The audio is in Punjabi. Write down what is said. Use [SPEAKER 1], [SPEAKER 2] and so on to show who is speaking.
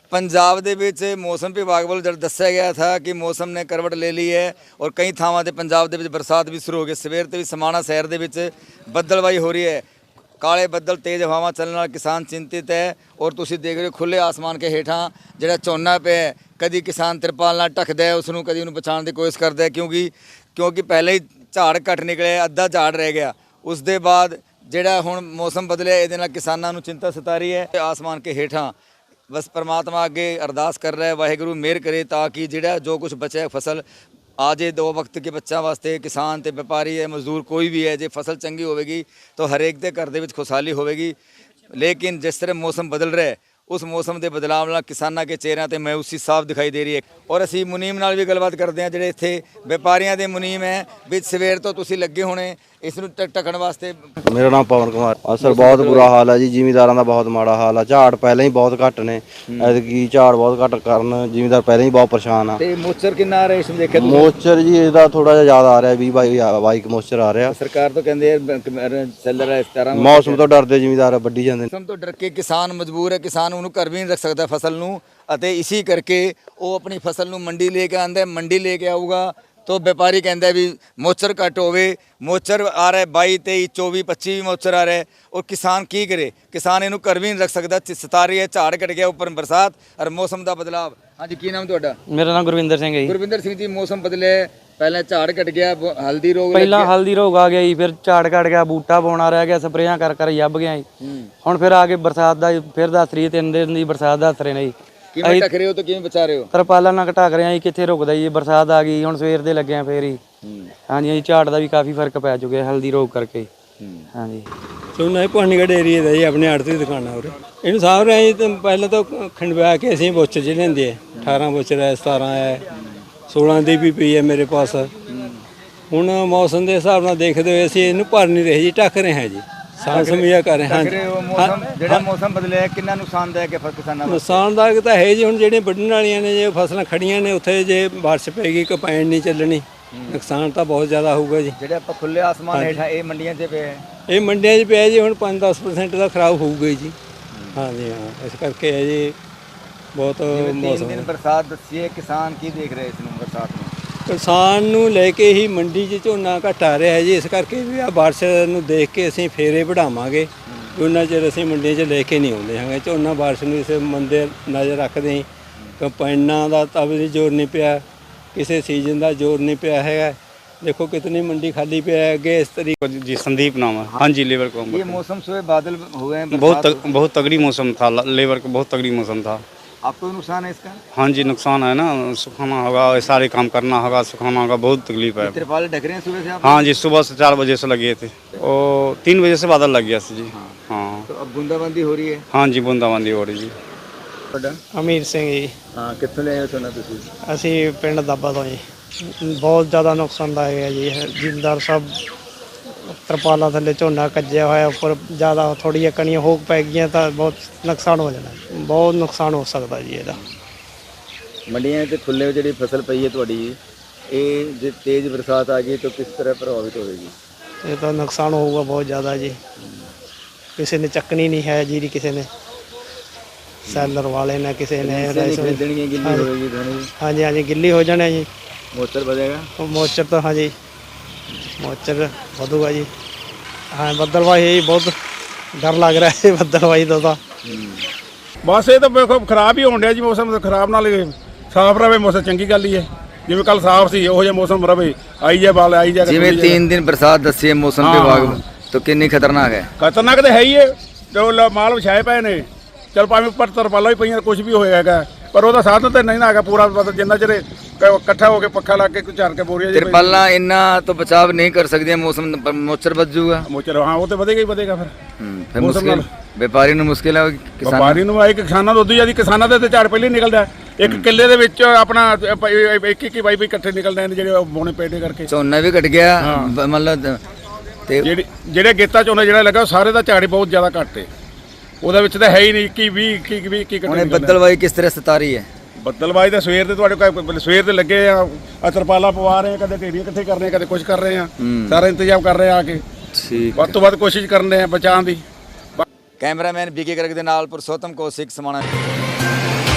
[SPEAKER 1] पंजाब ਦੇ ਵਿੱਚ ਮੌਸਮ ਵਿਭਾਗ ਵੱਲੋਂ ਜਦ ਦੱਸਿਆ ਗਿਆ था ਕਿ ਮੌਸਮ ਨੇ ਕਰਵਟ ਲੈ ਲਈ ਹੈ ਔਰ ਕਈ ਥਾਵਾਂ ਤੇ ਪੰਜਾਬ ਦੇ ਵਿੱਚ ਬਰਸਾਤ ਵੀ ਸ਼ੁਰੂ ਹੋ ਗਈ। ਸਵੇਰ ਤੇ ਵੀ ਸਮਾਣਾ ਸ਼ਹਿਰ ਦੇ ਵਿੱਚ ਬੱਦਲਵਾਈ ਹੋ ਰਹੀ ਹੈ। ਕਾਲੇ ਬੱਦਲ ਤੇਜ਼ ਹਵਾਵਾਂ ਚੱਲਣ ਨਾਲ ਕਿਸਾਨ ਚਿੰਤਿਤ ਹੈ ਔਰ ਤੁਸੀਂ ਦੇਖ ਰਹੇ ਹੋ ਖੁੱਲੇ ਆਸਮਾਨ ਕੇ ਹੇਠਾਂ ਜਿਹੜਾ ਝੋਨਾ ਪਿਆ ਕਦੀ ਕਿਸਾਨ ਤਿਰਪਾਲ ਨਾਲ ਢੱਕਦਾ ਹੈ ਉਸ ਨੂੰ, ਕਦੀ ਉਹਨੂੰ ਬਚਾਉਣ ਦੀ ਕੋਸ਼ਿਸ਼ ਕਰਦਾ ਹੈ ਕਿਉਂਕਿ ਪਹਿਲੇ ਹੀ ਝਾੜ ਘੱਟ ਨਿਕਲਿਆ, ਅੱਧਾ ਝਾੜ ਰਹਿ ਗਿਆ। ਉਸ ਦੇ ਬਾਅਦ ਜਿਹੜਾ ਹੁਣ ਮੌਸਮ ਬਦਲਿਆ ਇਹਦੇ ਨਾਲ ਕਿਸਾਨਾਂ ਨੂੰ ਚਿੰਤਾ ਸਤਾ ਰਹੀ ਹੈ। ਆਸਮਾਨ ਕੇ ਹੇਠਾਂ बस परमात्मा अगे अरदास कर रहा है वाहिगुरू मेहर करे ताकि जिहड़ा जो कुछ बचा है फसल आ जाए दो वक्त के बच्चों वास्ते। किसान ते व्यापारी है मजदूर कोई भी है, जे फसल चंगी होगी तो हरेक के घर दे विच खुशहाली होगी। लेकिन जिस तरह मौसम बदल रहा है उस मौसम के बदलाव नाल किसानों के चेहरों पर मायूसी साफ दिखाई दे रही है। और असी मुनीम नाल भी गलबात करते हैं जिहड़े इत्थे व्यापारियों के मुनीम है भी सवेर तो तुसीं लगे होने इस नूं ढकण वास्ते।
[SPEAKER 2] मेरा नाम पवन कुमार। असर बहुत बुरा हाल है जी, जिमीदारां दा बहुत माड़ा हाल है। झाड़ पहले ही बहुत घट ने, ऐतकी झाड़ बहुत घट कारण जिमीदार पहले ही बहुत परेशान है।
[SPEAKER 1] ते मोचर किन्ना आ रहा है इस देखिए
[SPEAKER 2] मोचर जी इसदा थोड़ा जिहा ज़्यादा आ रहा है, 20-22 मोचर आ रहा।
[SPEAKER 1] सरकार तो कहंदे चल रहा है 17
[SPEAKER 2] मौसम तो डरदे जिमीदार ਵੱਢੀ ਜਾਂਦੇ।
[SPEAKER 1] मौसम तो डर के किसान मजबूर है, किसान ਉਹਨੂੰ ਘਰ ਵੀ ਨਹੀਂ ਰੱਖ ਸਕਦਾ ਫਸਲ ਨੂੰ ਅਤੇ ਇਸੇ ਕਰਕੇ ਉਹ ਆਪਣੀ ਫਸਲ ਨੂੰ ਮੰਡੀ ਲੈ ਕੇ ਆਂਦਾ। ਮੰਡੀ ਲੈ ਕੇ ਆਊਗਾ तो व्यापारी कहता है भी मोचर घट होवे, मोचर आ रहा है 22, 23, 24, 25 भी मोचर आ रहा है और किसान की करे, किसान इनू घर भी नहीं रख सकता। सता रही है, झाड़ घट गया, उपर बरसात और मौसम का बदलाव। हाँ जी, की नाम तुहाडा?
[SPEAKER 3] मेरा नाम गुरविंदर सिंह है जी।
[SPEAKER 1] गुरविंदर सिंह जी, मौसम बदले पहले झाड़ घट गया, हल्दी रोग
[SPEAKER 3] ਪਹਿਲਾਂ ਹਲਦੀ ਰੋਗ ਆ ਗਿਆ ਜੀ, ਫਿਰ ਝਾੜ ਘਟ ਗਿਆ, ਬੂਟਾ ਪੌਣਾ ਰਹਿ ਗਿਆ, ਸਪਰੇਆਂ ਕਰ ਕਰ ਯੱਬ ਗਿਆ ਜੀ। ਹੁਣ ਫਿਰ ਆ ਕੇ ਬਰਸਾਤ ਦਾ ਫਿਰ ਦੱਸ ਰਹੀ 3 ਦਿਨ ਦੀ ਬਰਸਾਤ ਦੱਸ ਰਹੇ ਨੇ ਜੀ।
[SPEAKER 1] ਕਿਵੇਂ ਢੱਕ ਰਹੇ ਹੋ ਤੇ ਕਿਵੇਂ ਬਚਾ ਰਹੇ ਹੋ?
[SPEAKER 3] ਤਰਪਾਲਾਂ ਨਾਲ ਘਟਾ ਰਹੇ ਆ ਜੀ, ਕਿੱਥੇ ਰੁਕਦਾ ਜੀ, ਬਰਸਾਤ ਆ ਗਈ ਹੁਣ ਸਵੇਰ ਦੇ ਲੱਗੇ ਆ ਫੇਰ ਹੀ। ਹਾਂਜੀ ਜੀ, ਝਾੜ ਦਾ ਵੀ ਕਾਫੀ ਫਰਕ ਪੈ ਚੁੱਕਿਆ ਹਲਦੀ ਰੋਗ ਕਰਕੇ। ਹਾਂਜੀ,
[SPEAKER 4] ਝੋਨਾ ਇਹ ਪਾਣੀਗੜ੍ਹ ਏਰੀਏ ਦਾ ਜੀ, ਆਪਣੇ ਆੜਤ ਦੀ ਦੁਕਾਨ ਆ ਉਰੇ। ਇਹਨੂੰ ਸਾਂਭ ਰਹੇ ਜੀ ਤਾਂ ਪਹਿਲਾਂ ਤਾਂ ਖੰਡਵਾ ਕੇ ਅਸੀਂ ਬੋਚਰ ਚ ਲੈਂਦੇ ਆ। 18 ਬੋਚਰ ਹੈ, 17 ਹੈ, 16 ਦੀ ਵੀ ਪਈ ਹੈ ਮੇਰੇ ਪਾਸ। ਹੁਣ ਮੌਸਮ ਦੇ ਹਿਸਾਬ ਨਾਲ ਦੇਖਦੇ ਹੋਏ ਅਸੀਂ ਇਹਨੂੰ ਭਰ ਨਹੀਂ ਰਹੇ ਜੀ, ਢੱਕ ਰਹੇ ਹਾਂ ਜੀ, ਸਾਂਭ ਸਮੀਆ ਕਰ ਰਹੇ ਹਾਂ।
[SPEAKER 1] ਮੌਸਮ ਜਿਹੜਾ ਮੌਸਮ ਬਦਲਿਆ ਕਿੰਨਾ ਨੁਕਸਾਨਦਾਇਕ ਹੈ ਕਿਸਾਨਾਂ ਨੂੰ?
[SPEAKER 4] ਨੁਕਸਾਨਦਾਇਕ ਤਾਂ ਹੈ ਜੀ। ਹੁਣ ਜਿਹੜੀਆਂ ਵੱਢਣ ਵਾਲੀਆਂ ਨੇ, ਜੇ ਫਸਲਾਂ ਖੜੀਆਂ ਨੇ ਉੱਥੇ ਜੇ ਬਾਰਿਸ਼ ਪੈਗੀ ਕਪੈਣ ਨਹੀਂ ਚੱਲਣੀ, ਨੁਕਸਾਨ ਤਾਂ ਬਹੁਤ ਜ਼ਿਆਦਾ ਹੋਊਗਾ ਜੀ।
[SPEAKER 1] ਜਿਹੜੇ ਆਪਾਂ ਖੁੱਲੇ ਆਸਮਾਨ ਹੇਠਾਂ ਇਹ ਮੰਡੀਆਂ 'ਚ ਪਏ ਹੈ,
[SPEAKER 4] ਇਹ ਮੰਡੀਆਂ 'ਚ ਪਿਆ ਜੀ, ਹੁਣ 5-10% ਦਾ ਖਰਾਬ ਹੋਊਗਾ ਜੀ। ਹਾਂਜੀ ਹਾਂ, ਇਸ ਕਰਕੇ ਹੈ ਜੀ ਬਹੁਤ ਮੌਸਮ।
[SPEAKER 1] 3 ਦਿਨ ਬਰਸਾਤ ਦੱਸੀ ਹੈ, ਕਿਸਾਨ ਕੀ ਦੇਖ ਰਹੇ ਇਸ ਨੂੰ ਬਰਸਾਤ ਨੂੰ?
[SPEAKER 4] ਕਿਸਾਨ ਨੂੰ ਲੈ ਕੇ ਹੀ ਮੰਡੀ 'ਚ ਝੋਨਾ ਘੱਟ ਆ ਰਿਹਾ ਹੈ ਜੀ। ਇਸ ਕਰਕੇ ਵੀ ਆ ਬਾਰਿਸ਼ ਨੂੰ ਦੇਖ ਕੇ ਅਸੀਂ ਫੇਰੇ ਵਧਾਵਾਂਗੇ। ਉਹਨਾਂ ਚਿਰ ਅਸੀਂ ਮੰਡੀਆਂ 'ਚ ਲੈ ਕੇ ਨਹੀਂ ਆਉਂਦੇ ਹੈਗੇ ਝੋਨਾ। ਬਾਰਿਸ਼ ਨੂੰ ਇਸ ਮੰਦੇ ਨਜ਼ਰ ਰੱਖਦੇ ਹੀ, ਕੰਪਾਈਨਾਂ ਦਾ ਤਾਂ ਵੀ ਜ਼ੋਰ ਨਹੀਂ ਪਿਆ, ਕਿਸੇ ਸੀਜ਼ਨ ਦਾ ਜ਼ੋਰ नहीं ਪਿਆ ਹੈਗਾ। देखो कितनी मंडी खाली पे है आगे इस तरीके।
[SPEAKER 5] जी संदीप नाम है। हाँ जी, लेबर को
[SPEAKER 1] ये मौसम सुबह बादल हुए हैं,
[SPEAKER 5] बहुत तगड़ी मौसम था, लेबर का बहुत तगड़ी मौसम था।
[SPEAKER 1] आपको नुकसान है इसका?
[SPEAKER 5] हाँ जी, नुकसान है ना, सुखाना होगा, सारे काम करना होगा, सुखाना होगा, बहुत तकलीफ है।
[SPEAKER 1] तिरपाल ढक रहे हैं सुबह से आप?
[SPEAKER 5] हाँ जी, सुबह से 4 बजे से लगे थे और 3 बजे से बादल लग गया जी। हाँ,
[SPEAKER 1] तो अब बूंदाबांदी हो रही है?
[SPEAKER 5] हाँ जी, बूंदाबांदी हो रही जी।
[SPEAKER 3] ਅਮੀਰ ਸਿੰਘ ਜੀ।
[SPEAKER 1] हाँ, कितने ले आए हो सोना तुसी?
[SPEAKER 3] ਅਸੀਂ ਪਿੰਡ ਦਾਬਾ ਤੋਂ ਜੀ। ਬਹੁਤ ਜ਼ਿਆਦਾ ਨੁਕਸਾਨਦਾਇਕ ਹੈ ਜੀ। ਜ਼ਿਮੀਂਦਾਰ ਸਭ ਤਰਪਾਲਾਂ ਥੱਲੇ ਝੋਨਾ ਕੱਜਿਆ ਹੋਇਆ, ਉੱਪਰ ਜ਼ਿਆਦਾ ਥੋੜ੍ਹੀਆਂ ਕਣੀਆਂ ਹੋ ਪੈ ਗਈਆਂ ਤਾਂ ਬਹੁਤ ਨੁਕਸਾਨ ਹੋ ਜਾਣਾ, ਬਹੁਤ ਨੁਕਸਾਨ ਹੋ ਸਕਦਾ ਜੀ ਇਹਦਾ।
[SPEAKER 1] ਮੰਡੀਆਂ ਤੇ ਖੁੱਲੇ ਜਿਹੜੀ ਫਸਲ ਪਈ ਹੈ ਤੁਹਾਡੀ, ਇਹ ਜੇ ਤੇਜ਼ ਬਰਸਾਤ ਆ ਗਈ ਤਾਂ ਕਿਸ ਤਰ੍ਹਾਂ ਪ੍ਰਭਾਵਿਤ ਹੋਵੇਗੀ?
[SPEAKER 3] ਇਹ ਤਾਂ ਨੁਕਸਾਨ ਹੋਊਗਾ ਬਹੁਤ ਜ਼ਿਆਦਾ ਜੀ। ਕਿਸੇ ਨੇ ਚੱਕਣੀ ਨਹੀਂ ਹੈ ਜੀਰੀ, ਕਿਸੇ ਨੇ ਸੈਲਰ ਵਾਲੇ ਨੇ, ਕਿਸੇ ਨੇ
[SPEAKER 1] ਖਰੀਦਣੀ ਹੈ, ਗਿੱਲੀ ਹੋਵੇਗੀ ਧਣੀ।
[SPEAKER 3] ਹਾਂਜੀ ਹਾਂਜੀ, ਗਿੱਲੀ ਹੋ ਜਾਣਾ ਜੀ।
[SPEAKER 1] ਮੋਚਰ ਵਧੇਗਾ?
[SPEAKER 3] ਮੋਚਰ ਤਾਂ ਹਾਂਜੀ, ਮੋਚਰ ਵਧੂਗਾ ਜੀ। ਹਾਂ, ਬੱਦਲਵਾਈ ਬਹੁਤ ਡਰ ਲੱਗ ਰਿਹਾ ਹੈ ਬੱਦਲਵਾਈ ਦਾ ਤਾਂ।
[SPEAKER 6] ਬਸ ਇਹ ਤਾਂ ਵੇਖੋ ਖਰਾਬ ਹੀ ਹੋਣ ਡਿਆ ਜੀ ਮੌਸਮ। ਖਰਾਬ ਨਾਲ ਸਾਫ਼ ਰਵੇ ਮੌਸਮ, ਚੰਗੀ ਗੱਲ ਹੀ ਹੈ। ਜਿਵੇਂ ਕੱਲ ਸਾਫ਼ ਸੀ ਉਹੋ ਜਿਹਾ ਮੌਸਮ ਰਵੇ, ਆਈ ਜਾ ਬਾਲ ਆਈ ਜਾ।
[SPEAKER 1] ਜਿਵੇਂ 3 ਦਿਨ ਬਰਸਾਤ ਦੱਸੀ ਹੈ ਮੌਸਮ ਵਿਭਾਗ ਤੋਂ, ਕਿੰਨੀ ਖਤਰਨਾਕ ਹੈ?
[SPEAKER 6] ਖਤਰਨਾਕ ਤਾਂ ਹੈ ਹੀ ਹੈ। ਜੋ ਮਾਲ ਵਿਛਾਏ ਪਏ ਨੇ, ਚਲ ਭਾਵੇਂ ਉੱਪਰ ਤਰਪਾਲਾਂ ਵੀ ਪਈਆਂ, ਕੁਝ ਵੀ ਹੋਏਗਾ, ਪਰ ਉਹਦਾ ਸਾਧਨ ਤਾਂ ਨਹੀਂ ਨਾ ਹੈਗਾ ਪੂਰਾ। ਜਿੰਨਾ ਚਿਰ ਇਕੱਠਾ ਹੋ ਕੇ ਪੱਖਾ ਲਾ ਕੇ ਝਾੜ ਕੇ ਬੋਰੀਆਂ
[SPEAKER 1] ਤਿਰਪਾਲਾਂ ਇੰਨਾ ਤਾਂ ਬਚਾਵ ਨਹੀਂ ਕਰ ਸਕਦੀਆਂ ਮੌਸਮ, ਮੋਚਰ ਵੱਧ ਜਾਊਗਾ।
[SPEAKER 6] ਮੋਚਰ ਹਾਂ, ਉਹ ਤਾਂ ਵਧੇਗਾ ਹੀ ਵਧੇਗਾ ਫਿਰ ਮੌਸਮ ਨਾਲ।
[SPEAKER 1] ਵਪਾਰੀ ਨੂੰ ਮੁਸ਼ਕਿਲ ਹੈ,
[SPEAKER 6] ਵਪਾਰੀ ਨੂੰ ਆਏ, ਕਿਸਾਨਾਂ ਨੂੰ ਉਦੋਂ ਜਿਆਦਾ। ਕਿਸਾਨਾਂ ਦੇ ਤੇ ਝਾੜ ਪਹਿਲੇ ਨਿਕਲਦਾ, ਇੱਕ ਕਿੱਲੇ ਦੇ ਵਿੱਚ ਆਪਣਾ 21 22 ਇਕੱਠੇ ਨਿਕਲਦੇ ਨੇ ਜਿਹੜੇ ਬੋਣੇ ਪੇਟੇ ਕਰਕੇ।
[SPEAKER 1] ਝੋਨਾ ਵੀ ਘਟ ਗਿਆ ਮਤਲਬ। ਤੇ
[SPEAKER 6] ਜਿਹੜੇ ਗੇਤਾ ਝੋਨਾ ਜਿਹੜਾ ਲੱਗਾ ਸਾਰੇ ਦਾ ਝਾੜ ਬਹੁਤ ਜ਼ਿਆਦਾ ਘੱਟ ਹੈ, ਉਹਦੇ ਵਿੱਚ ਤਾਂ ਹੈ ਹੀ ਨਹੀਂ। 21 ਇਕੱਠੇ।
[SPEAKER 1] ਹੁਣ ਬੱਦਲਵਾਈ ਕਿਸ ਤਰ੍ਹਾਂ ਸਤਾ ਰਹੀ ਹੈ?
[SPEAKER 6] ਬੱਦਲਵਾਈ ਤਾਂ ਸਵੇਰ ਦੇ ਤੁਹਾਡੇ ਸਵੇਰ ਦੇ ਲੱਗੇ ਆ, ਤਰਪਾਲਾਂ ਪਵਾ ਰਹੇ ਆ, ਕਦੇ ਢੇਰੀਆਂ ਇਕੱਠੇ ਕਰ ਰਹੇ ਆ, ਕਦੇ ਕੁਝ ਕਰ ਰਹੇ ਆ, ਸਾਰਾ ਇੰਤਜ਼ਾਮ ਕਰ ਰਹੇ ਆ ਕੇ।
[SPEAKER 1] ਠੀਕ,
[SPEAKER 6] ਵੱਧ ਤੋਂ ਵੱਧ ਕੋਸ਼ਿਸ਼ ਕਰਨ ਦੇ ਆ ਬਚਾਉਣ ਦੀ।
[SPEAKER 1] ਕੈਮਰਾਮੈਨ ਬੀਕੇ ਕਰਕ ਦੇ ਨਾਲ ਪੁਰਸ਼ੋਤਮ ਕੌਸ਼ਿਕ, ਸਮਾਣਾ।